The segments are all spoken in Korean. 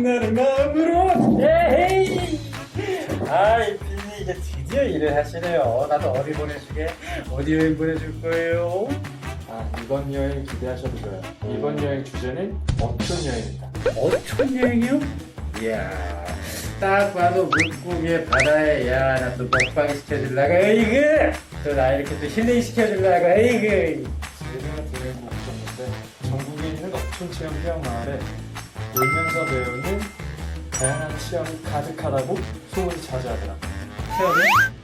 빛나는 마음으로. 에헤이. 아이 비니 이제 드디어 일을 하시네요. 나도 어디 보내주게? 어디 여행 보내줄 거예요? 아, 이번 여행 기대하셔도 좋아요. 이번 여행 주제는 어촌 여행입니다. 어촌 여행이요? 이야, 딱 봐도 물고기에 바다에, 야, 나 또 먹방 시켜주려고, 에이그! 또 나 이렇게 또 힐링 시켜주려고, 에이그! 제가 드는 목적인데 전국에 있는 어촌 체험 휴양마을에 놀면서 배우는 다양한 체험이 가득하다고 소문이 자자하더라. 체험이?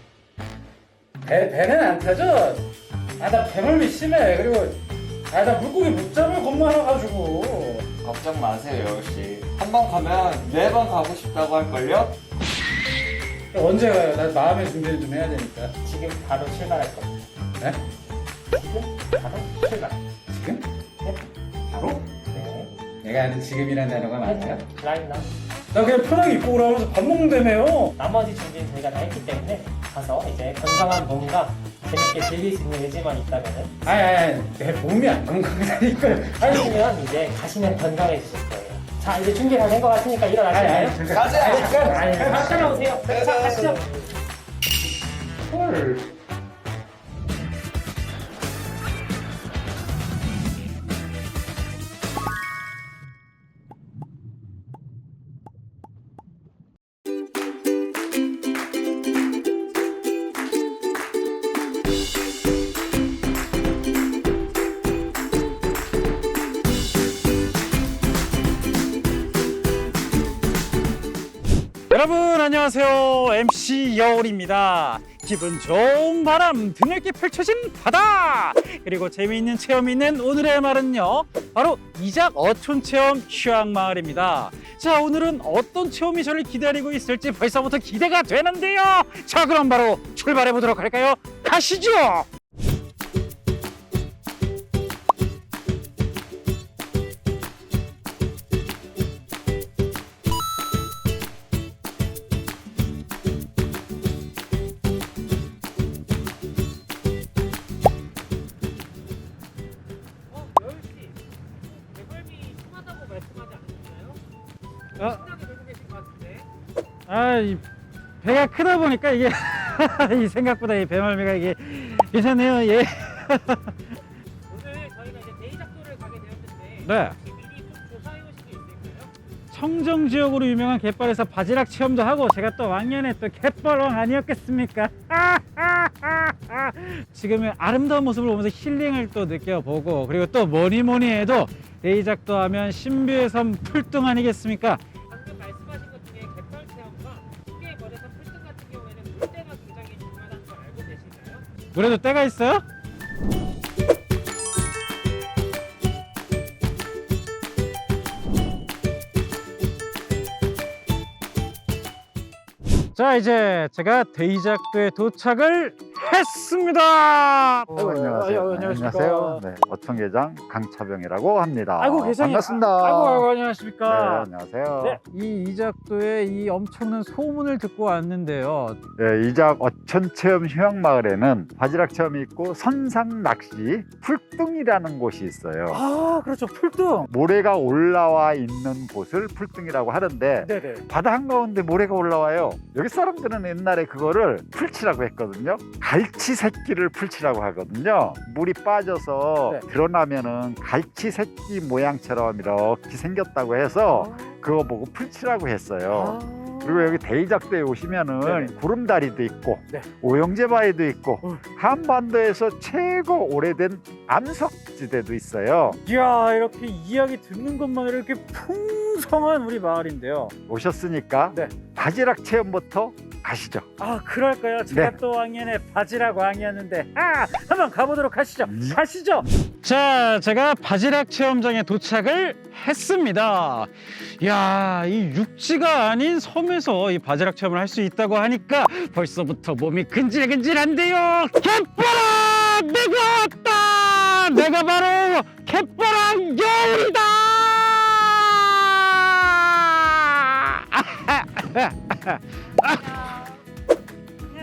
배는 안 타죠? 아, 나 배멀미 심해. 그리고, 아, 나 물고기 못 잡을 것만 와가지고. 걱정 마세요, 여우씨. 한 번 가면 4번 가고 싶다고 할걸요? 언제 가요? 나 마음의 준비를 좀 해야 되니까. 지금 바로 출발할 겁니다. 네? 지금 바로 출발. 지금? 네. 바로? 네. 내가 아는 지금이라는 단어가 맞아요? 라인 나. 나 그냥 편하게 입고 오라면서 밥 먹는다며요. 나머지 준비는 저희가 다 했기 때문에 가서 이제 건강한 몸과 재밌게 즐길 수 있는 의지만 있다면은 아니, 내 몸이 안 건강하다니까. 하시면 이제 가시면 건강해지실 거예요. 자, 이제 준비 다 된 것 같으니까 일어나실까요? 가자. 따라오세요. 자, 가시죠. 헐. 여러분 안녕하세요. MC 여울입니다. 기분 좋은 바람 드넓게 펼쳐진 바다 그리고 재미있는 체험이 있는 오늘의 말은요 바로 이작 어촌체험 휴양마을입니다. 자, 오늘은 어떤 체험이 저를 기다리고 있을지 벌써부터 기대가 되는데요. 자, 그럼 바로 출발해 보도록 할까요? 가시죠. 여울씨, 배멀미 심하다고 말씀하지 않으셨나요? 어? 심하게 놀고 계신 것 같은데. 아, 이 배가 크다 보니까 이게 이 생각보다 이 배멀미가 이게 괜찮네요. 예. 오늘 저희가 이제 데이작도를 가게 되었는데 네. 혹시 미리 좀 조사해 오신 게 있을까요? 청정 지역으로 유명한 갯벌에서 바지락 체험도 하고 제가 또 왕년에 또 갯벌왕 아니었겠습니까? 지금의 아름다운 모습을 보면서 힐링을 또 느껴보고 그리고 또 뭐니 해도 데이작도 하면 신비의 섬 풀뚱 아니겠습니까? 방금 말씀하신 것 중에 갯벌 체험과 신비의 거대산 풀등 같은 경우에는 물때가 굉장히 중요하다는 걸 알고 계신가요? 물에도 때가 있어요? 자, 이제 제가 데이작도에 도착을 했습니다. 안녕하세요. 안녕하십니까. 네, 어촌계장 강차병이라고 합니다. 아이고, 계장님. 반갑습니다. 아이고, 네, 안녕하십니까. 안녕하세요. 네, 이 이작도에 이 엄청난 소문을 듣고 왔는데요. 네, 이작 어촌체험 휴양마을에는 바지락 체험이 있고 선상 낚시 풀뚱이라는 곳이 있어요. 아, 그렇죠. 풀뚱. 모래가 올라와 있는 곳을 풀뚱이라고 하는데 네네. 바다 한가운데 모래가 올라와요. 여기 사람들은 옛날에 그거를 풀치라고 했거든요. 갈치 새끼를 풀치라고 하거든요. 물이 빠져서 네. 드러나면은 갈치 새끼 모양처럼 이렇게 생겼다고 해서 그거 보고 풀치라고 했어요. 그리고 여기 데이작도에 오시면은 네네. 구름다리도 있고 네. 오영제바위도 있고 어. 한반도에서 최고 오래된 암석지대도 있어요. 이야, 이렇게 이야기 듣는 것만으로 이렇게 풍성한 우리 마을인데요. 오셨으니까 네. 바지락 체험부터 가시죠. 아, 그럴까요? 제가 네. 또 왕년에 바지락 왕이었는데 한번 가보도록 하시죠. 이- 가시죠. 자, 제가 바지락 체험장에 도착을 했습니다. 이야, 이 육지가 아닌 섬에서 이 바지락 체험을 할 수 있다고 하니까 벌써부터 몸이 근질근질한데요. 갯벌아, 내가 왔다. 내가 바로 갯벌왕 여울이다.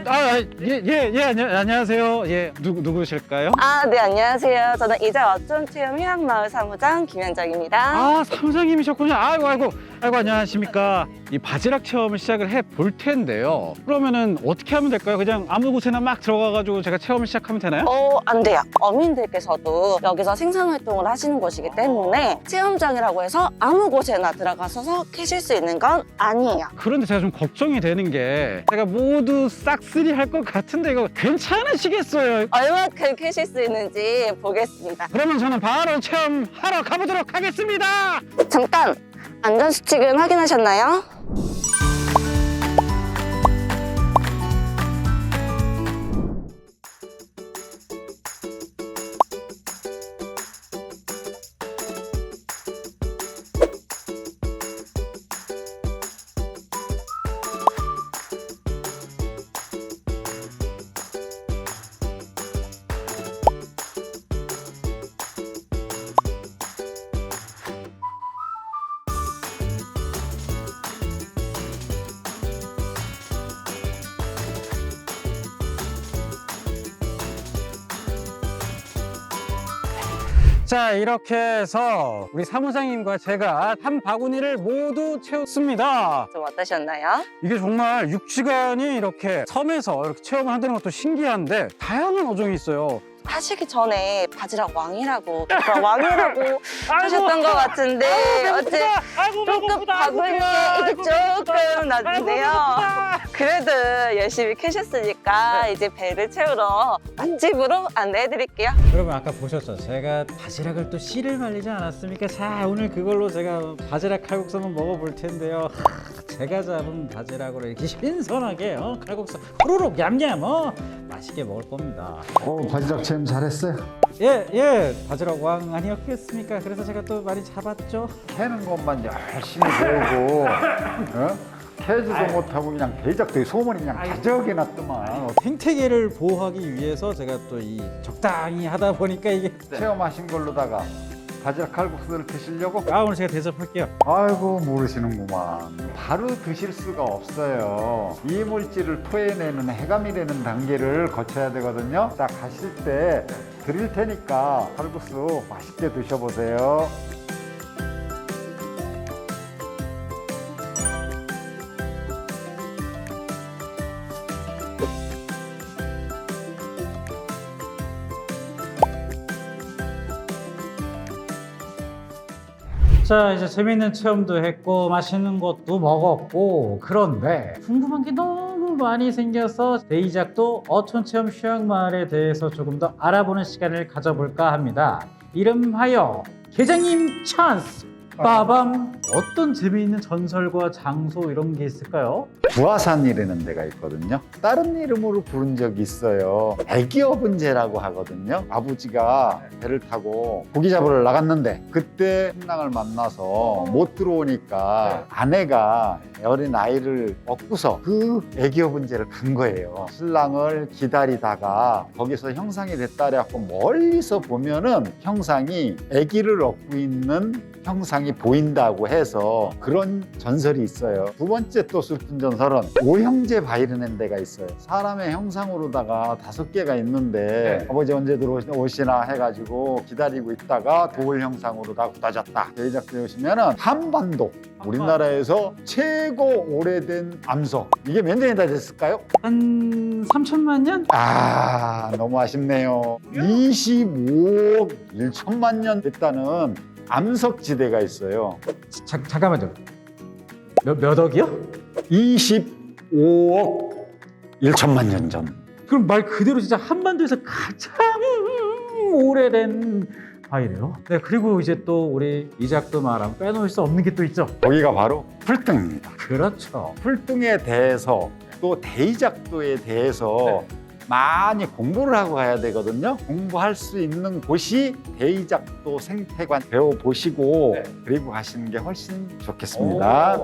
안녕하세요. 예, 누구실까요? 네, 안녕하세요. 저는 이자 어촌체험 휴양마을 사무장 김현정입니다. 아, 사무장님이셨군요. 아이고, 안녕하십니까. 이 바지락 체험을 시작을 해 볼 텐데요. 그러면은 어떻게 하면 될까요? 그냥 아무 곳에나 막 들어가가지고 제가 체험을 시작하면 되나요? 안 돼요. 어민들께서도 여기서 생산활동을 하시는 곳이기 때문에 체험장이라고 해서 아무 곳에나 들어가서 캐실 수 있는 건 아니에요. 그런데 제가 좀 걱정이 되는 게 제가 모두 싹쓸이 할 것 같은데 이거 괜찮으시겠어요? 얼마큼 캐실 수 있는지 보겠습니다. 그러면 저는 바로 체험하러 가보도록 하겠습니다. 잠깐! 안전수칙은 확인하셨나요? 자, 이렇게 해서 우리 사무장님과 제가 한 바구니를 모두 채웠습니다. 좀 어떠셨나요? 이게 정말 육지간이 이렇게 섬에서 이렇게 체험을 한다는 것도 신기한데 다양한 어종이 있어요. 하시기 전에 바지락 왕이라고 하셨던 것 같은데 조금 바구니에 이게 조금 낮은데요. 그래도 열심히 캐셨으니까 이제 배를 채우러 맛집으로 안내해드릴게요. 여러분 아까 보셨죠? 제가 바지락을 또 씨를 말리지 않았습니까? 자, 오늘 그걸로 제가 바지락 칼국수 한번 먹어볼 텐데요. 제가 잡은 바지락으로 이렇게 신선하게 칼국수 후루룩 얌얌 맛있게 먹을 겁니다. 바지락 체험 잘했어요. 예, 바지락 왕 아니었겠습니까? 그래서 제가 또 많이 잡았죠. 캐는 것만 열심히 배우고 캐지도 못하고 그냥 대작도 소문이 그냥 가져오게 놨더만. 생태계를 보호하기 위해서 제가 또 이 적당히 하다 보니까 이게 체험하신 걸로다가 바지락 칼국수를 드시려고? 오늘 제가 대접할게요. 아이고 모르시는구만. 바로 드실 수가 없어요. 이물질을 토해내는 해감이 되는 단계를 거쳐야 되거든요. 딱 가실 때 드릴 테니까 칼국수 맛있게 드셔보세요. 자, 이제 재밌는 체험도 했고 맛있는 것도 먹었고, 그런데 궁금한 게 너무 많이 생겨서 데이작도 어촌체험 휴양마을에 대해서 조금 더 알아보는 시간을 가져볼까 합니다. 이름하여 계장님 찬스! 빠밤! 어떤 재미있는 전설과 장소 이런 게 있을까요? 부하산이라는 데가 있거든요. 다른 이름으로 부른 적이 있어요. 애기어분제라고 하거든요. 아버지가 배를 타고 고기 잡으러 나갔는데 그때 신랑을 만나서 못 들어오니까 아내가 어린 아이를 얻고서 그 애기어분제를 간 거예요. 신랑을 기다리다가 거기서 형상이 됐다 그래갖고 멀리서 보면은 형상이 아기를 얻고 있는 형상이 보인다고 해서 그런 전설이 있어요. 두 번째 또 슬픈 전설은 오형제 바이르는 데가 있어요. 사람의 형상으로다가 5개가 있는데 아버지 언제 들어오시나 해가지고 기다리고 있다가 돌 형상으로 다 굳어졌다. 대작에 오시면은 한반도 우리나라에서 최고 오래된 암석, 이게 몇 년이 다 됐을까요? 한 3천만 년? 너무 아쉽네요. 25억 1천만 년 됐다는 암석지대가 있어요. 잠깐만요. 몇 억이요? 25억 1천만 년 전. 그럼 말 그대로 진짜 한반도에서 가장 오래된 바위래요. 네, 그리고 이제 또 우리 이작도 말하면 빼놓을 수 없는 게 또 있죠. 거기가 바로 풀등입니다. 그렇죠. 풀등에 대해서 또 대이작도에 대해서 많이 공부를 하고 가야 되거든요. 공부할 수 있는 곳이 대이작도 생태관 배워보시고 그리고 가시는 게 훨씬 좋겠습니다.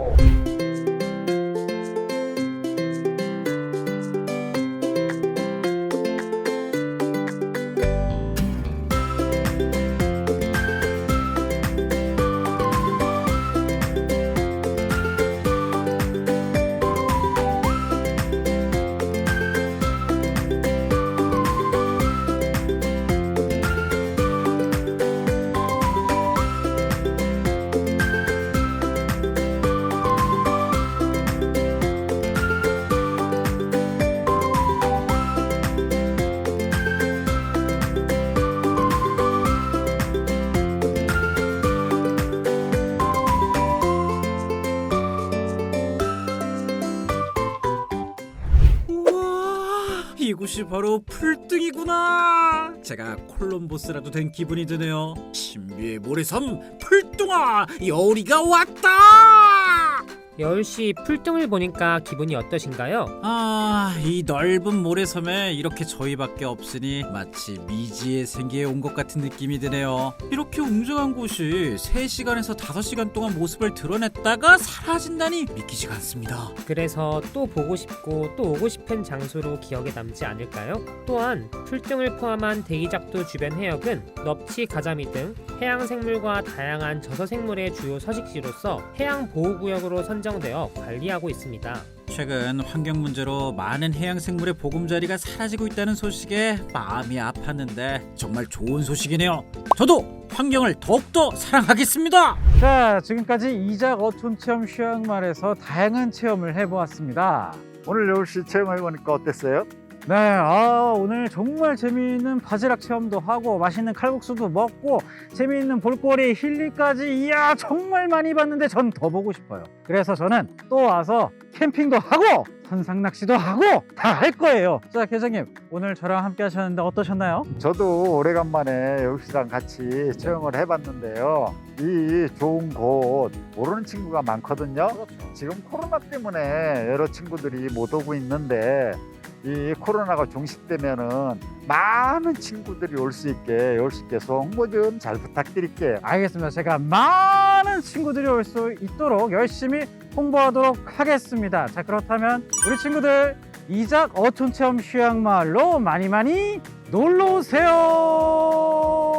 이곳이 바로 풀등이구나. 제가 콜럼버스라도 된 기분이 드네요. 신비의 모래섬 풀뚱아, 여우리가 왔다. 여울씨 풀등을 보니까 기분이 어떠신가요? 이 넓은 모래섬에 이렇게 저희밖에 없으니 마치 미지의 세계에 온 것 같은 느낌이 드네요. 이렇게 웅장한 곳이 3시간에서 5시간 동안 모습을 드러냈다가 사라진다니 믿기지가 않습니다. 그래서 또 보고 싶고 또 오고 싶은 장소로 기억에 남지 않을까요? 또한 풀등을 포함한 대이작도 주변 해역은 넙치, 가자미 등 해양 생물과 다양한 저서 생물의 주요 서식지로서 해양 보호구역으로 선정되어 관리하고 있습니다. 최근 환경 문제로 많은 해양 생물의 보금자리가 사라지고 있다는 소식에 마음이 아팠는데 정말 좋은 소식이네요. 저도 환경을 더욱더 사랑하겠습니다. 자, 지금까지 이작 어촌 체험 휴양마을에서 다양한 체험을 해보았습니다. 오늘 여울씨 체험해보니까 어땠어요? 네, 오늘 정말 재미있는 바지락 체험도 하고 맛있는 칼국수도 먹고 재미있는 볼거리 힐링까지 이야 정말 많이 봤는데 전 더 보고 싶어요. 그래서 저는 또 와서 캠핑도 하고 선상 낚시도 하고 다 할 거예요. 자, 계장님 오늘 저랑 함께 하셨는데 어떠셨나요? 저도 오래간만에 여울씨랑 같이 체험을 해봤는데요. 이 좋은 곳 모르는 친구가 많거든요. 지금 코로나 때문에 여러 친구들이 못 오고 있는데 이 코로나가 종식되면은 많은 친구들이 올 수 있게 여울씨께서 홍보 좀 잘 부탁드릴게요. 알겠습니다. 제가 많은 친구들이 올 수 있도록 열심히 홍보하도록 하겠습니다. 자, 그렇다면 우리 친구들 이작 어촌 체험 휴양마을로 많이 놀러 오세요.